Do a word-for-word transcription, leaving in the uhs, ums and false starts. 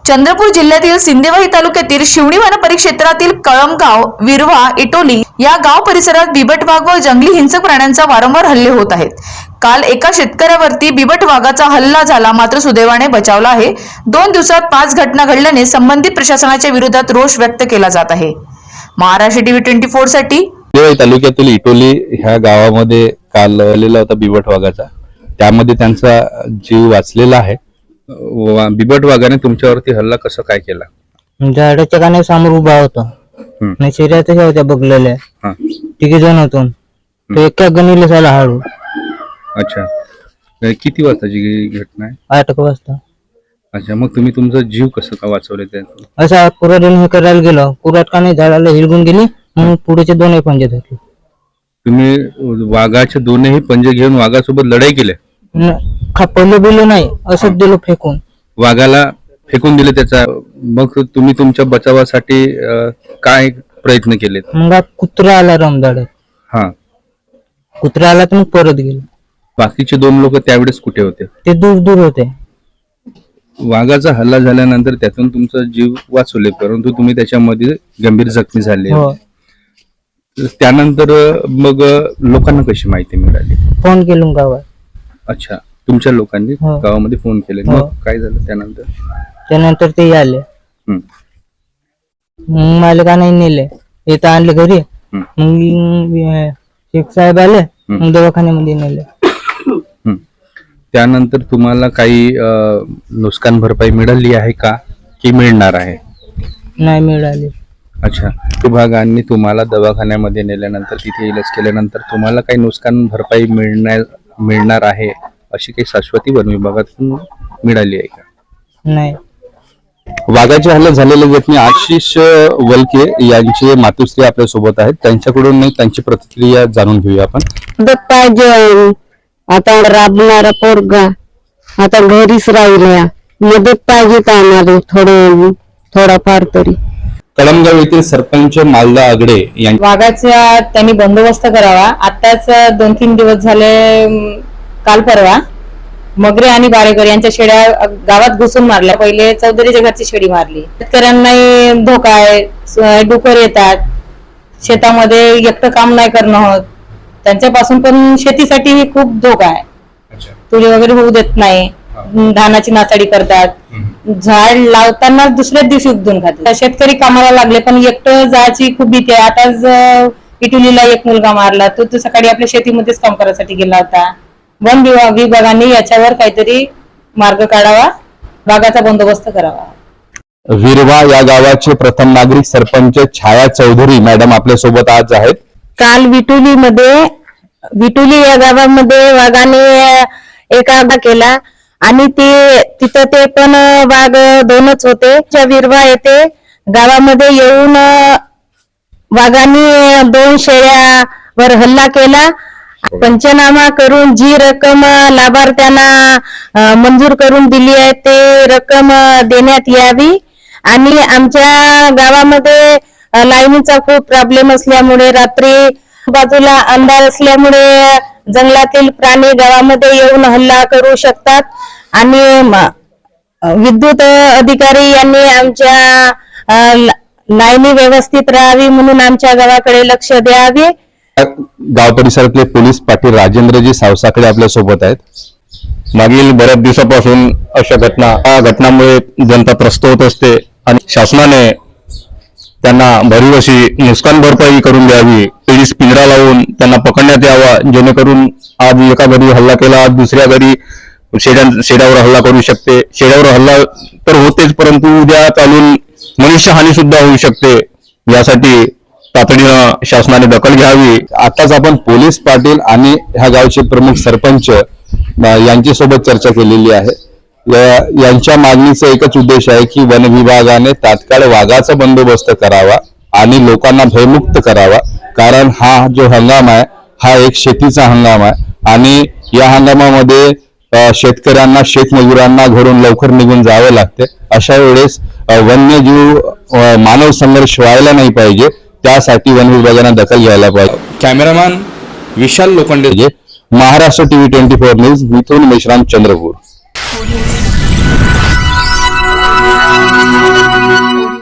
चंद्रपूर जिल्ह्यातील सिंदेवाही तालुक्यातील शिवणी वन परिक्षेत्रातील कळमगाव, विरवा, इटोली या गाव परिसरात बिबट वाघ व जंगली हिंसक प्राण्यांचा वारंवार हल्ले होत आहेत। काल एका शेतकऱ्यावरती बिबट वाघाचा हल्ला झाला, मात्र सुदैवाने बचावला आहे। दोन दिवसात पाच घटना घडल्याने संबंधित प्रशासनाच्या विरोधात रोष व्यक्त केला जात आहे। महाराष्ट्र टीव्ही ट्वेंटी फोर साठी सिंदेवाही तालुक्यातील इटोली ह्या गावामध्ये काल आलेला होता बिबट वाघाचा, त्यामध्ये त्यांचा जीव वाचलेला आहे। बिबट वाघाने तुमच्यावरती हल्ला कसं काय केला? झाडाच्या काने समोर उभा होता आणि शरीरातच होत्या बघलेल्या तिघे जण होतो तो एका गणीला झाला हाडू। अच्छा, किती वाजताची घटना आहे? आठ वाजता। अच्छा, मग तुम्ही तुमचा जीव कसं का वाचवले? ते असा कुऱ्हाडीने हे करायला गेलो, कुऱ्हाड काने झाडाला हिलगून गेली, मग पुढेचे दोनही पंजे धरले। तुम्ही वाघाचे दोनही पंजे घेऊन वाघासोबत लढाई केली? खापवलं बिलं नाही, असंच दिलं फेकून। वाघाला फेकून दिले त्याचा? मग तुम्ही तुमच्या बचावासाठी काय प्रयत्न केले? मग कुत्रा आला रमदाड्यात, हा कुत्रा आला तर मग परत गेलो। बाकीचे दोन लोक त्यावेळेस कुठे होते? ते दूर दूर होते। वाघाचा हल्ला झाल्यानंतर त्यातून तुमचा जीव वाचवले, परंतु तुम्ही त्याच्यामध्ये गंभीर जखमी झाले। त्यानंतर मग लोकांना कशी माहिती मिळाली? फोन केलो गावात। अच्छा, तुमच्या लोकांनी गावामध्ये फोन केले, मग काय झालं त्यानंतर? त्यानंतर ते आले, मग मालकाने नेले, इथं आणले घरी, मग शेख साहेब आले, मग दवाखान्यामध्ये नेले। त्यानंतर तुम्हाला काही नुकसान भरपाई मिळाली आहे का की मिळणार आहे? नाही मिळाली। अच्छा, विभागाने तुम्हाला दवाखान्यामध्ये नेल्यानंतर तिथे इलाज केल्यानंतर तुम्हाला काही नुकसान भरपाई मिळणार मिळणार आहे अशी काही शाश्वती वन विभागातून मिळाली आहे का? नाही। वाघाचे हल्ले झालेले जखमी आशिष वलके यांचे मातुश्री आपल्या सोबत आहेत, त्यांच्याकडून त्यांची प्रतिक्रिया जाणून घेऊया आपण। मदत पाहिजे, आता राबणारा पोरगा आता घरीच राहिल्या, मदत पाहिजे आम्हाला थोडं थोडाफार तरी। कळमगाव येथील सरपंच मालदा आगडे यांनी वाघाचा त्यांनी बंदोबस्त करावा। आताच दोन तीन दिवस झाले, काल परवा मगरे आणि बारेकर यांच्या शेड्या गावात घुसून मारल्या। पहिले चौधरीच्या घरची शेडी मारली। शेतकऱ्यांनाही धोका आहे, डुकर येतात शेतामध्ये, एकटं काम नाही करणं होत त्यांच्यापासून, पण शेतीसाठी खूप धोका आहे। तुरी वगैरे होऊ देत नाही, धानाची नासाडी करतात, झाड लावताना दुसऱ्याच दिवशी उपदून खातात। शेतकरी कामाला लागले पण एकटं जायची खूप भीती आहे। आताच इटुलीला एक मुलगा मारला, तो तो सकाळी आपल्या शेतीमध्येच काम करायसाठी गेला होता। वन विभागाने याच्यावर काहीतरी मार्ग काढावा, वाघाचा बंदोबस्त करावा। विरवा या गावाचे प्रथम नागरिक सरपंच छाया चौधरी मॅडम आपल्या सोबत आज आहेत। काल विटुली मध्ये विटुली या गावामध्ये वाघाने एक आघात केला आणि ते तिथं ते पण वाघ दोनच होते। विरवा येथे गावामध्ये येऊन वाघाने दोन शेळ्यावर हल्ला केला। पंचनामा करून जी रक्कम लाभार्थ्यांना मंजूर करून दिली आहे ते रक्कम देण्यात यावी। आणि आमच्या गावामध्ये लाईनीचा खूप प्रॉब्लेम असल्यामुळे, रात्री बाजूला अंधार असल्यामुळे जंगलातील प्राणी गावामध्ये येऊन हल्ला करू शकतात आणि विद्युत अधिकारी यांनी आमच्या लाईनी व्यवस्थित राहावी म्हणून आमच्या गावाकडे लक्ष द्यावे। गाव परिसरातले पोलीस पाटील राजेंद्रजी सावसाकडे आपल्या सोबत आहेत। मागील बऱ्याच दिवसापासून अशा घटना या घटनामुळे जनता त्रस्त होत असते आणि शासनाने त्यांना भरीव अशी नुकसान भरपाई करून द्यावी, पोलीस पिंजरा लावून त्यांना पकडण्यात यावा, जेणेकरून आज एका घरी हल्ला केला, आज दुसऱ्या घरी शेड्या शेड्यावर हल्ला करू शकते। शेड्यावर हल्ला तर होतेच, परंतु उद्या चालून मनुष्यहानी सुद्धा होऊ शकते। यासाठी तातडीनं शासनाने दखल घ्यावी। आताच आपण पोलीस पाटील आणि ह्या गावचे प्रमुख सरपंच यांच्या सोबत चर्चा केलेली आहे। यांच्या मागणीचा एकच उद्देश आहे की वन विभागाने तात्काळ वाघाचा बंदोबस्त करावा आणि लोकांना भयमुक्त करावा, कारण हा जो हंगाम आहे हा एक शेतीचा हंगाम आहे आणि या हंगामामध्ये शेतकऱ्यांना, शेतमजुरांना घरून लवकर निघून जावे लागते। अशा वेळेस वन्यजीव मानव संघर्ष व्हायला नाही पाहिजे, त्यासाठी वन विभागाने दखल घ्यायला पाहिजे। Cameraman Vishal Lokhande, Maharashtra TV twenty four news, Mithun Meshram, Chandrapur.